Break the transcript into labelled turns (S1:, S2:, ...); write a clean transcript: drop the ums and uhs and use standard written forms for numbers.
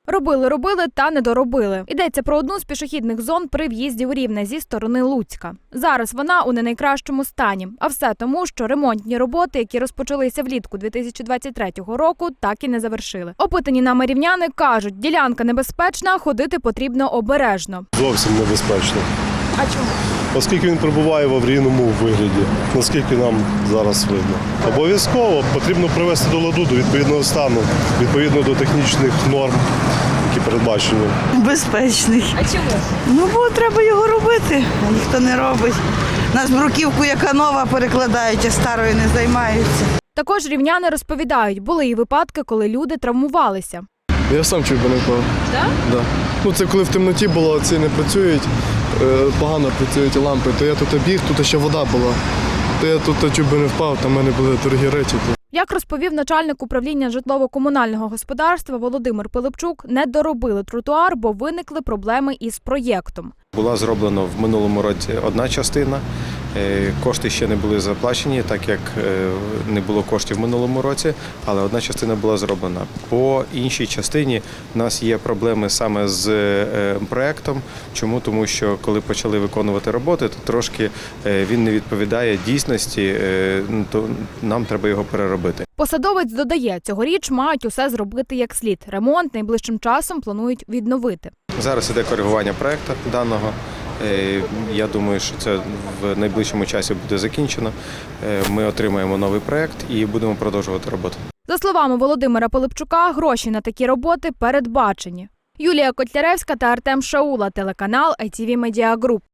S1: Робили, та не доробили. Йдеться про одну з пішохідних зон при в'їзді у Рівне зі сторони Луцька. Зараз вона у не найкращому стані. А все тому, що ремонтні роботи, які розпочалися влітку 2023 року, так і не завершили. Опитані нами рівняни кажуть, ділянка небезпечна, ходити потрібно обережно.
S2: Зовсім небезпечно.
S1: А чому?
S2: Оскільки він перебуває в аварійному вигляді, наскільки нам зараз видно. Обов'язково потрібно привести до ладу, до відповідного стану, відповідно до технічних норм, які передбачені.
S3: Безпечний.
S1: А чому?
S3: Ну, бо треба його робити, а ніхто не робить. Нас бруківку, яка нова, перекладають, а старою не займаються.
S1: Також рівняни розповідають, були і випадки, коли люди травмувалися.
S4: Я сам чуть би не впав.
S1: Так?
S4: Да. Ну, це коли в темноті було, ці не працюють, погано працюють лампи, то я тут біг, тут ще вода була. То я тут чуть би не впав, там в мене були дорогі речі.
S1: Як розповів начальник управління житлово-комунального господарства Володимир Пилипчук, не доробили тротуар, бо виникли проблеми із проєктом.
S5: Була зроблена в минулому році одна частина, кошти ще не були заплачені, так як не було коштів в минулому році, але одна частина була зроблена. По іншій частині в нас є проблеми саме з проєктом. Чому? Тому що коли почали виконувати роботи, то трошки він не відповідає дійсності, то нам треба його переробити.
S1: Посадовець додає, цьогоріч мають усе зробити як слід. Ремонт найближчим часом планують відновити.
S5: Зараз іде коригування проєкту даного. Я думаю, що це в найближчому часі буде закінчено. Ми отримаємо новий проєкт і будемо продовжувати роботу.
S1: За словами Володимира Пилипчука, гроші на такі роботи передбачені. Юлія Котляревська та Артем Шаула, телеканал ITV Media Group.